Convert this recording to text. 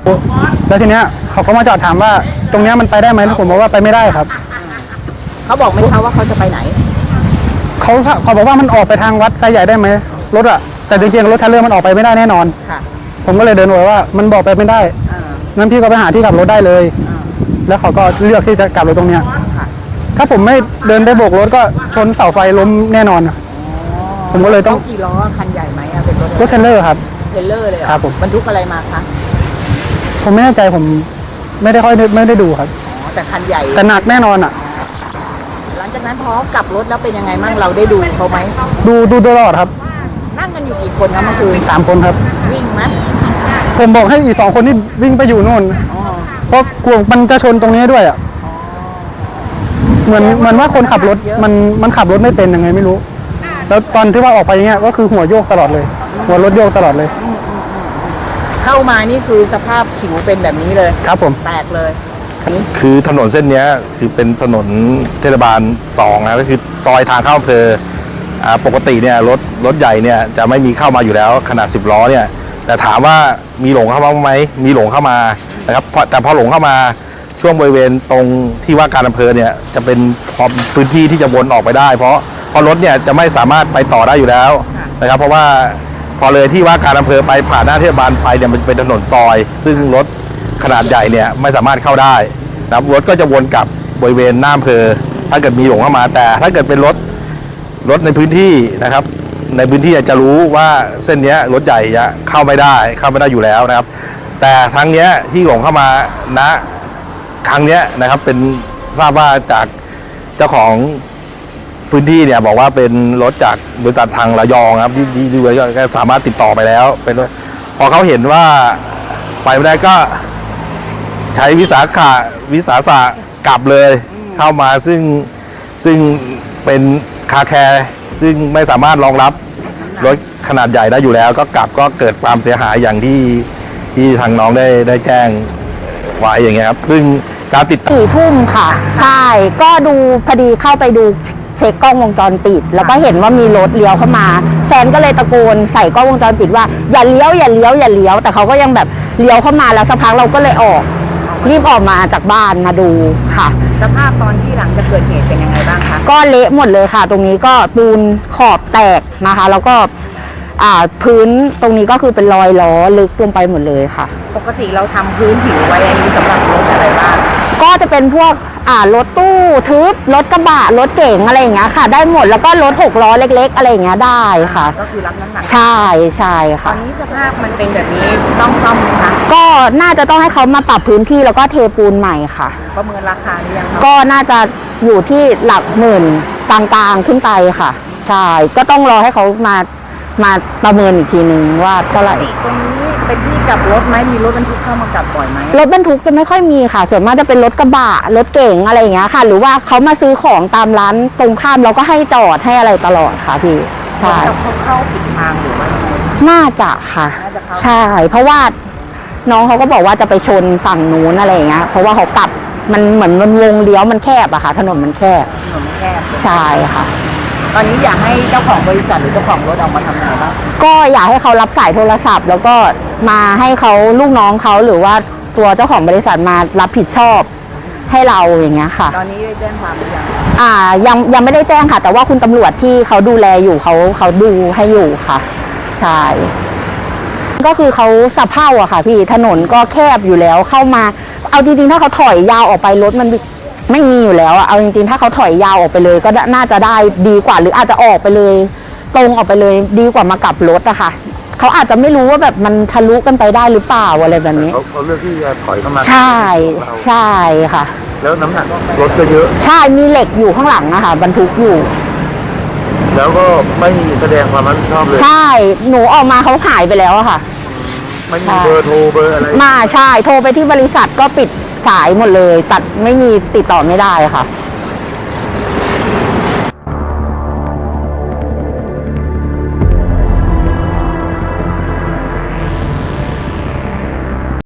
แล้วทีเนี้ยเขาก็มาจอดถามว่าตรงเนี้ยมันไปได้ไหมแล้วผมบอกว่าไปไม่ได้ครับเขาบอกไหมคะว่าเขาจะไปไหนเขาบอกว่ามันออกไปทางวัดไซใหญ่ได้ไหมรถอะแต่จริงๆรถเทรลเลอร์มันออกไปไม่ได้แน่นอนค่ะผมก็เลยเดินบอกว่ามันบอกไปไม่ได้งั้นพี่ก็ไปหาที่กลับรถได้เลยแล้วเขาก็เลือกที่จะกลับรถตรงเนี้ยถ้าผมไม่เดินได้โบกรถก็ชนเสาไฟล้มแน่นอนผมก็เลยต้องกี่ล้อคันใหญ่ไหมเป็นรถเทรลเลอร์ครับเทรลเลอร์เลยครับผมบรรทุกอะไรมาคะผมไม่แน่ใจผมไม่ได้ดูครับแต่คันใหญ่แต่หนักแน่นอนหลังจากนั้นพอกลับรถแล้วเป็นยังไงมั่งเราได้ดูเขาไหมดูตลอดครับนั่งกันอยู่กี่คนครับเมื่อคืน 3 คนครับวิ่งไหมผมบอกให้อีก2 คนนี่วิ่งไปอยู่โน่นเพราะกลัวมันจะชนตรงนี้ด้วยเหมือนว่าคนขับรถมันขับรถไม่เป็นยังไงไม่รู้แล้วตอนที่ว่าออกไปอย่างเงี้ยก็คือหัวโยกตลอดเลยหัวรถโยกตลอดเลยเข้ามานี่คือสภาพผิวเป็นแบบนี้เลยครับผมแตกเลยคือถนนเส้นนี้คือเป็นถนนเทศบาล2นะก็คือซอยทางเข้าอำเภอปกติเนี่ยรถใหญ่เนี่ยจะไม่มีเข้ามาอยู่แล้วขนาด10 ล้อเนี่ยแต่ถามว่ามีหลงเข้ามาไหมมีหลงเข้ามานะครับแต่พอหลงเข้ามาช่วงบริเวณตรงที่ว่าการอำเภอเนี่ยจะเป็นพื้นที่ที่จะวนออกไปได้เพราะรถเนี่ยจะไม่สามารถไปต่อได้อยู่แล้วนะครับเพราะว่าพอเลยที่ว่าการอำเภอไปผ่านหน้าเทศบาลไปเนี่ยมันเป็นถนนซอยซึ่งรถขนาดใหญ่เนี่ยไม่สามารถเข้าได้นะครับรถก็จะวนกลับบริเวณหน้าอำเภอถ้าเกิดมีหลงเข้ามาแต่ถ้าเกิดเป็นรถในพื้นที่นะครับในพื้นที่จะรู้ว่าเส้นนี้รถใหญ่จะเข้าไม่ได้อยู่แล้วนะครับแต่ครั้งนี้ที่หลงเข้ามาณครั้งนี้นะครับเป็นทราบว่าจากเจ้าของพื้นที่เนี่ยบอกว่าเป็นรถจากบริษัททางระยองครับที่ดูก็สามารถติดต่อไปแล้วเป็นพอเขาเห็นว่าไปไม่ได้ก็ใช้วิสาสะกลับเลยเข้ามาซึ่งเป็นคาแคร์ซึ่งไม่สามารถรองรับรถขนาดใหญ่ได้อยู่แล้วก็กลับก็เกิดความเสียหายอย่างที่ทางน้องได้แจ้งไว้อย่างเงี้ยครับซึ่งการติด 4 ทุ่มค่ะใช่ก็ดูพอดีเข้าไปดูเช็คกล้องวงจรปิดแล้วก็เห็นว่ามีรถเลี้ยวเข้ามาแฟนก็เลยตะโกนใส่กล้องวงจรปิดว่าอย่าเลี้ยวแต่เขาก็ยังแบบเลี้ยวเข้ามาแล้วสักพักเราก็เลยรีบออกมาจากบ้านมาดูค่ะสภาพตอนที่หลังจะเกิดเหตุเป็นยังไงบ้างคะก็เละหมดเลยค่ะตรงนี้ก็ปูนขอบแตกนะคะแล้วก็พื้นตรงนี้ก็คือเป็นรอยล้อลึกลงไปหมดเลยค่ะปกติเราทำพื้นผิวไว้อันนี้สำหรับรถอะไรบ้างก็จะเป็นพวกรถตู้ทึบรถกระบะรถเก๋งอะไรอย่างเงี้ยค่ะได้หมดแล้วก็รถ6 ล้อเล็กๆอะไรอย่างเงี้ยได้ค่ะก็คือรับน้ำหนักใช่ค่ะตอนนี้สภาพมันเป็นแบบนี้ต้องซ่อมไหมคะก็น่าจะต้องให้เขามาปรับพื้นที่แล้วก็เทปูนใหม่ค่ะประเมินราคาหรือยังก็น่าจะอยู่ที่หลักหมื่นกลางๆขึ้นไปค่ะใช่ก็ต้องรอให้เขามาประเมินอีกทีนึงว่าเท่าไหร่ตรงนี้เป็นที่กลับรถไหมมีรถบรรทุกเข้ามากลับบ่อยไหมรถบรรทุกจะไม่ค่อยมีค่ะส่วนมากจะเป็นรถกระบะรถเก๋งอะไรอย่างเงี้ยค่ะหรือว่าเขามาซื้อของตามร้านตรงข้ามเราก็ให้จอดให้อะไรตลอดค่ะพี่ใช่เขาเข้าผิดทางหรือว่าน่าจะค่ะใช่เพราะว่าน้องเขาก็บอกว่าจะไปชนฝั่งนู้นอะไรอย่างเงี้ยเพราะว่าเขากลับมันเหมือนมันวงเลี้ยวมันแคบอะค่ะถนนมันแคบใช่ค่ะตอนนี้อยากให้เจ้าของบริษัทหรือเจ้าของรถออกมาทำอะไรบ้างก็อยากให้เขารับสายโทรศัพท์แล้วก็มาให้เขาลูกน้องเขาหรือว่าตัวเจ้าของบริษัทมารับผิดชอบให้เราอย่างเงี้ยค่ะตอนนี้ได้แจ้งความหรือยังยังไม่ได้แจ้งค่ะแต่ว่าคุณตำรวจที่เขาดูแลอยู่เขาดูให้อยู่ค่ะใช่ก็คือเขาสะเพร่าอะค่ะพี่ถนนก็แคบอยู่แล้วเข้ามาเอาจริงๆถ้าเขาถอยยาวออกไปรถมันไม่มีอยู่แล้วอะเอาจริงๆถ้าเขาถอยยาวออกไปเลยก็น่าจะได้ดีกว่าหรืออาจจะออกไปเลยตรงออกไปเลยดีกว่ามากลับรถอะค่ะเขาอาจจะไม่รู้ว่าแบบมันทะลุกันไปได้หรือเปล่าอะไรแบบนี้เขาเลือกที่จะถอยเข้ามาใช่ค่ะแล้วน้ำหนักรถก็เยอะใช่มีเหล็กอยู่ข้างหลังอะค่ะบรรทุกอยู่แล้วก็ไม่แสดงความรับผิดชอบเลยใช่หนูออกมาเขาหายไปแล้วอะค่ะไม่มีเบอร์โทรเบอร์อะไรใช่โทรไปที่บริษัทก็ปิดสายหมดเลยตัดไม่มีติดต่อไม่ได้ค่ะ